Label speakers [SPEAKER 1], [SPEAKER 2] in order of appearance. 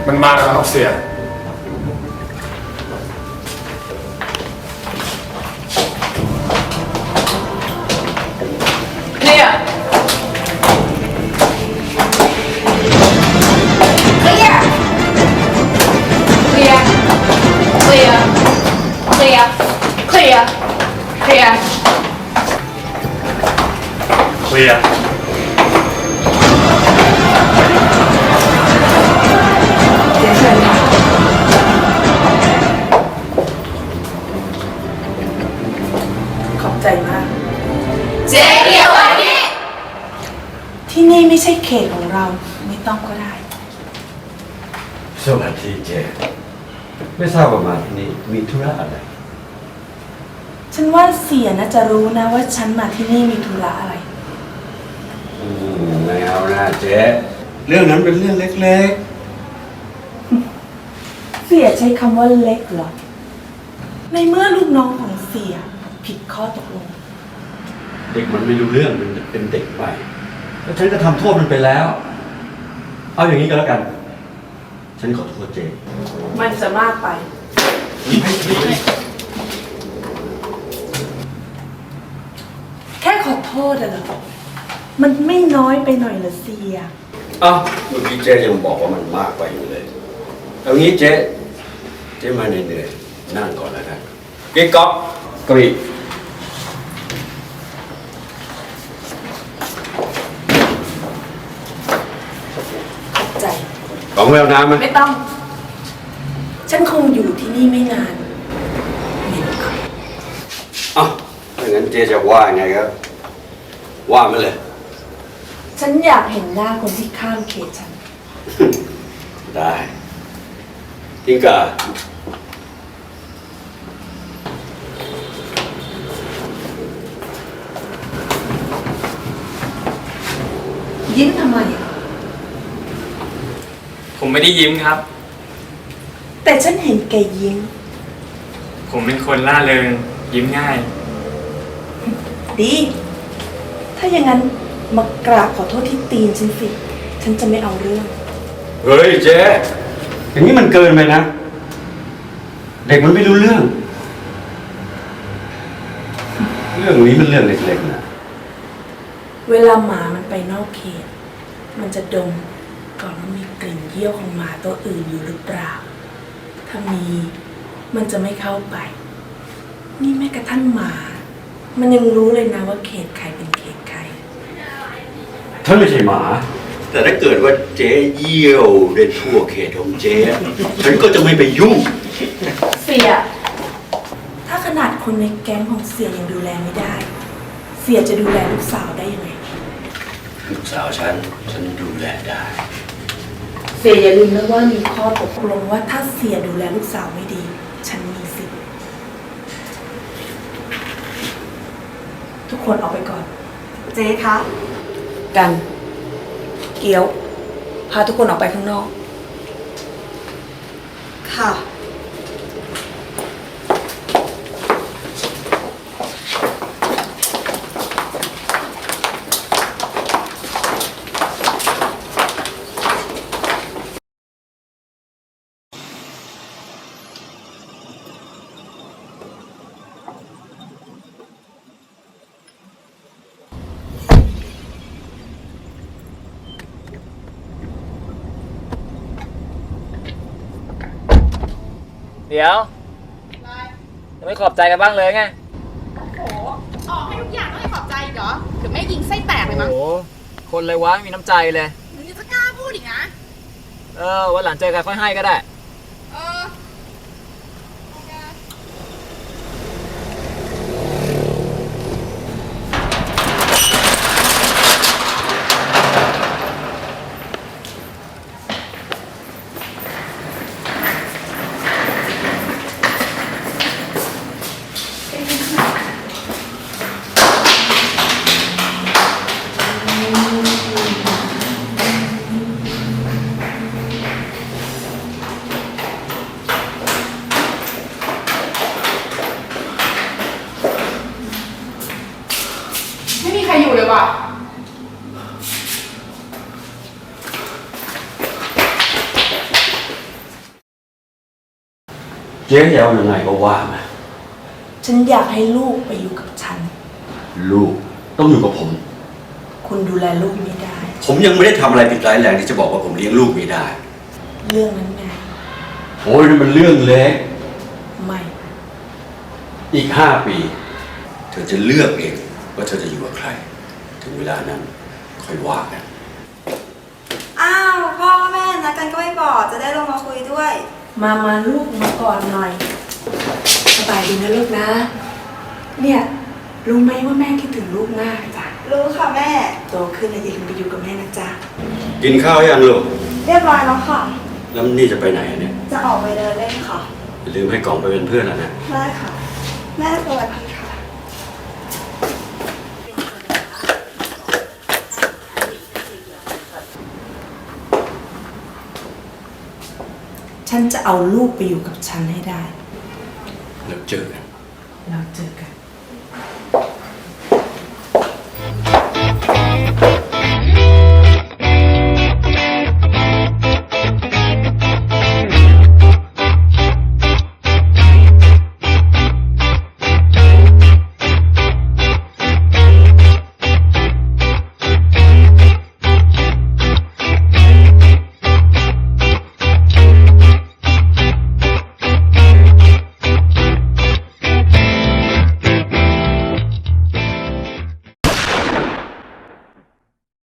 [SPEAKER 1] มันมาแล้วครับเสีย
[SPEAKER 2] เคลียร์เคลียร์เคลียร์เคลียร์เคลียร์เคลียร์เคลียร์
[SPEAKER 1] เคลียร์
[SPEAKER 3] ขอบใจมาก
[SPEAKER 2] เจ๊เดียวอันนี้
[SPEAKER 3] ที่นี่ไม่ใช่เขตของเราไม่ต้องก็ได้
[SPEAKER 4] สวัสดีเจไม่ทราบว่ามาที่นี่มีธุระอะไร
[SPEAKER 3] ฉันว่าเสียน่าจะรู้นะว่าฉันมาที่นี่มีธุระอะไร
[SPEAKER 4] ไม่เอานะเจ๊เรื่องนั้นเป็นเรื่องเล็ก
[SPEAKER 3] เสียใช้คำว่าเล็กเหรอ ในเมื่อลูกน้องของเสียผิดข้อตกลง
[SPEAKER 4] ๆเด็กมันไม่รู้เรื่องมันเป็นเด็กใหม่แล้วฉันก็ทำโทษมันไปแล้ว เอาอย่างนี้ก็แล้วกัน ฉันขอโทษเจ๊
[SPEAKER 3] มันจะมากไป แค่ขอโทษอะเหรอ มันไม่น้อยไปหน่อยเหรอเสีย
[SPEAKER 4] อ้าวเมื่อกี้เจ๊ยังบอกว่ามันมากไปอยู่เลยเอางี้เจ๊มาเหนื่อยๆนั่งก่อนแล้วกันกิ๊กก๊อกกรี
[SPEAKER 3] ขอบใจ
[SPEAKER 4] ของแววน้ำไหม
[SPEAKER 3] ไม่ต้อง ฉันคงอยู่ที่นี่ไม่นานเหม็นครับ
[SPEAKER 4] อ้าวถ้างั้นเจ๊จะว่าไงครับว่ามาเลย
[SPEAKER 3] ฉันอยากเห็นหน้าคนที่ข้ามเขตฉัน
[SPEAKER 4] ได้ทิงกา
[SPEAKER 3] ยิ้มทำไมอะ
[SPEAKER 1] ผมไม่ได้ยิ้มครับ
[SPEAKER 3] แต่ฉันเห็นแกยิ้ม
[SPEAKER 1] ผมเป็นคนล่าเริงยิ้มง่าย
[SPEAKER 3] ดี ถ้าอย่างนั้นมากราบขอโทษที่ตีนฉันสิ ฉันจะไม่เอาเรื่อง
[SPEAKER 4] เฮ้ยเจ๊อย่างนี้มันเกินไปนะ เด็กมันไม่รู้เรื่อง เรื่องนี้มันเรื่องเล็กๆนะ
[SPEAKER 3] เวลาหมามันไปนอกเขต มันจะดมก่อนว่ามีกลิ่นเยี่ยวของหมาตัวอื่นอยู่หรือเปล่า ถ้ามีมันจะไม่เข้าไป นี่แม้กระทั่งหมา มันยังรู้เลยนะว่าเขตใครเป็นเขตใคร
[SPEAKER 4] ฉันไม่ใช่หมา แต่ถ้าเกิดว่าเจ๊เยี่ยวได้ทั่วเขตของเจ๊ฉันก็จะไม่ไปยุ่ง
[SPEAKER 3] เสีย ถ้าขนาดคนในแก๊งของเสียยังดูแลไม่ได้ เสียจะดูแลลูกสาวได้ยังไง
[SPEAKER 4] ลูกสาวฉันดูแลได้
[SPEAKER 3] เสียอย่าลืมนะว่ามีข้อตกลงว่าถ้าเสียดูแลลูกสาวไม่ดี ฉันมีสิทธิ์ทุกคนออกไปก่อน
[SPEAKER 2] เจ๊คะ
[SPEAKER 3] กัน เกี๊ยว พาทุกคนออกไปข้างนอก
[SPEAKER 2] ค่ะ
[SPEAKER 5] เดี๋ยวยังไม่ขอบใจกันบ้างเลยไง
[SPEAKER 6] โอ้โห ออกให้ทุกอย่างต้องให้ขอบใจอีกเหรอเดี๋ยวแม่ยิงไส้แตกเลยมั้ง
[SPEAKER 5] โอ้โหคนเลยวะไม่มีน้ำใจเลย
[SPEAKER 6] มึงยังจะกล้าพูดอีกนะ
[SPEAKER 5] วันหลังเจอกันค่อยให้ก็ได้
[SPEAKER 6] เออ ไม่มีใครอยู่เลยว่ะ
[SPEAKER 4] เจ๊จะเอายังไงก็ว่ามา
[SPEAKER 3] ฉันอยากให้ลูกไปอยู่กับฉัน
[SPEAKER 4] ลูกต้องอยู่กับผม
[SPEAKER 3] คุณดูแลลูกไม่ได้
[SPEAKER 4] ผมยังไม่ได้ทำอะไรผิดร้ายแรงที่จะบอกว่าผมเลี้ยงลูกไม่ได้
[SPEAKER 3] เรื่องนั้นไง
[SPEAKER 4] โอ้ยนั่นมันเรื่องเล็ก
[SPEAKER 3] ไม่
[SPEAKER 4] อีก5 ปี เธอจะเลือกเองว่าเธอจะอยู่กับใคร ถึงเวลานั้นค่อยว่ากัน
[SPEAKER 7] อ้าวพ่อแม่นัดกันก็ไม่บอกจะได้ลงมาคุยด้วย
[SPEAKER 3] มาลูกมาก่อนหน่อย สบายดีนะลูกนะ เนี่ยรู้ไหมว่าแม่คิดถึงลูกมากจ้ะ
[SPEAKER 7] รู้ค่ะแม่
[SPEAKER 3] โตขึ้นแล้วอย่าลืมไปอยู่กับแม่นะจ๊ะ
[SPEAKER 4] กินข้าวยังลูก
[SPEAKER 7] เรียบร้อยแล้วค่ะ
[SPEAKER 4] แล้วนี่จะไปไหนอะเนี่ย
[SPEAKER 7] จะออกไปเดินเล่นค่ะ
[SPEAKER 4] อย่าลืมให้กล่องไปเป็นเพื่อนนะ
[SPEAKER 7] ได้ค่ะ แม่สวัสดีค่ะ
[SPEAKER 3] ฉันจะเอาลูกไปอยู่กับฉันให้ได้
[SPEAKER 4] แล้วเจอกัน
[SPEAKER 3] เราเจอกัน